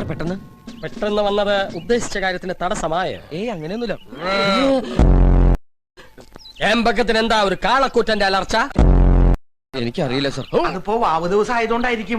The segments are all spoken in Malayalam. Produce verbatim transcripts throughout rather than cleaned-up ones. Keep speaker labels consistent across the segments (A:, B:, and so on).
A: സാർ പെട്ടെന്ന്
B: പെട്ടെന്ന് വന്നത് ഉദ്ദേശിച്ച കാര്യത്തിന് തടസ്സമായ?
A: ഏയ് അങ്ങനെയൊന്നുമില്ല.
B: ഏമ്പക്കത്തിന് എന്താ ഒരു കാളക്കൂറ്റന്റെ അലർച്ച?
A: എനിക്കറിയില്ല സാർ.
C: അതിപ്പോ വാവ് ദിവസം ആയതുകൊണ്ടായിരിക്കും.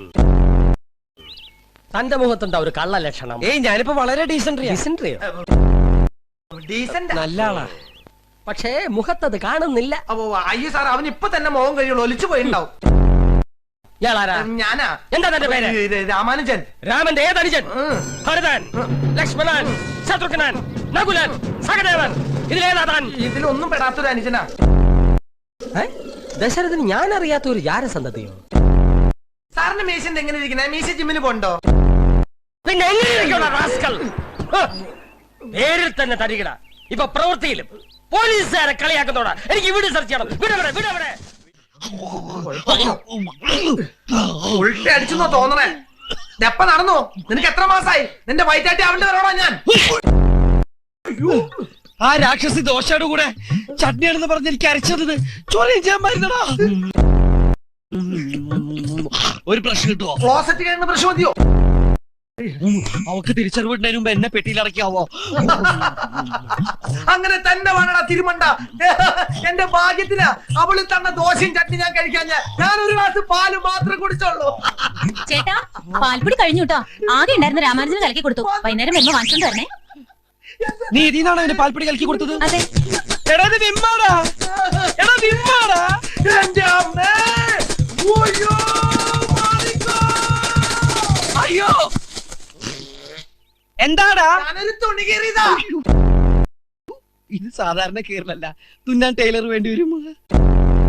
B: തന്റെ മുഖത്തുണ്ടാ ഒരു കള്ള ലക്ഷണം?
A: ഏയ് ഞാനിപ്പോ വളരെ ഡീസൻട്രിയാ.
B: ഡിസെൻട്രിയോ?
C: ഡീസന്റ്
A: നല്ല ആളാ,
B: പക്ഷേ മുഖത്തത് കാണുന്നില്ല.
C: അപ്പൊ അയ്യോ സാർ, അവൻ ഇപ്പൊ തന്നെ മോഹം കഴിയുള്ളൂ, ഒലിച്ചു പോയിണ്ടാവും.
B: ഇയാളാരാ?
C: ഞാനാ.
B: എന്താ തന്റെ പേര്?
C: ഇത് രാമാനുജൻ.
B: രാമന്റെ ഏതനുജൻ? ഭരതൻ, ലക്ഷ്മണൻ, ശത്രുഘ്നൻ, നകുലൻ, സഹദേവൻ, ഇതിലേതാ താൻ?
C: ഇതിലൊന്നും പെടാത്തൊരു അനുജനാ.
B: ദശരഥന് ഞാൻ അറിയാത്ത ഒരു ജാരസന്തതിയോ?
C: സാറിന്റെ മീശ എങ്ങനെ ഇരിക്കണേ? മീശ ജിമ്മിന് പോണ്ടോ?
B: പിന്നെ എങ്ങനെയൊക്കെയുള്ള റാസ്കൽ? പേരിൽ തന്നെ തരികട, ഇപ്പൊ പ്രവൃത്തിയിലും പോലീസുകാരെ കളിയാക്കുന്നോടാ. എനിക്ക് വീട് സെർച്ച് ചെയ്യണം. വിടവിടെ വിടവിടെ.
C: ഉൾട്ടി അടിച്ചെന്നോ തോന്നണേ? എപ്പ നടന്നോ? നിനക്ക് എത്ര മാസായി? നിന്റെ വയറ്റാട്ടി അവളുടെ വരോടാ ഞാൻ.
A: ആ രാക്ഷസി ദോശയുടെ കൂടെ ചട്നിയാണെന്ന് പറഞ്ഞ് എനിക്ക് അരച്ചത് ചോദ്യം ചെയ്യാൻ മരുന്നടാ. ഒരു പ്രശ്നം കിട്ടുമോ?
C: ക്ലോസറ്റ് കഴിയുന്ന പ്രശ്നം മതിയോ?
A: അവക്ക് തിരിച്ചറിവിടുന്നതിന് മുമ്പ് എന്നെ പെട്ടിയിൽ അടക്കാവോ?
C: അങ്ങനെ തന്നെ വേണടാ തിരുമണ്ട. എന്റെ ഭാഗ്യത്തിനാ അവള് തന്ന ദോശയും ചട്നി ഞാൻ കഴിക്കാൻ. ഞാൻ ഒരു ഗ്ലാസ് പാല് മാത്രം കുടിച്ചോളൂ.
D: ചേട്ടാ, പാൽപ്പൊടി കഴിഞ്ഞു കേട്ടോ. ആകെ ഉണ്ടായിരുന്ന രാമാനുജന് കലക്കി കൊടുത്തു. വൈകുന്നേരം വരുമ്പോ വാങ്ങിച്ചോണ്ട് വരണേ.
A: നീ ഇതിനാണോ എന്റെ പാൽപ്പൊടി കലക്കി കൊടുത്തത്?
D: അതെ.
A: എടാ ഇത് വിമ്മാടാ. എടാ വിമ്മാടാ.
C: എന്റെ അമ്മേ. ഓയ്യോ, മാറിക്കോ.
A: അയ്യോ എന്താടാ?
C: ഞാനൊരു തുണി കീറിയതാ.
A: ഇത് സാധാരണ കീറലല്ല, തുന്നാൻ ടൈലർ വേണ്ടി വരും.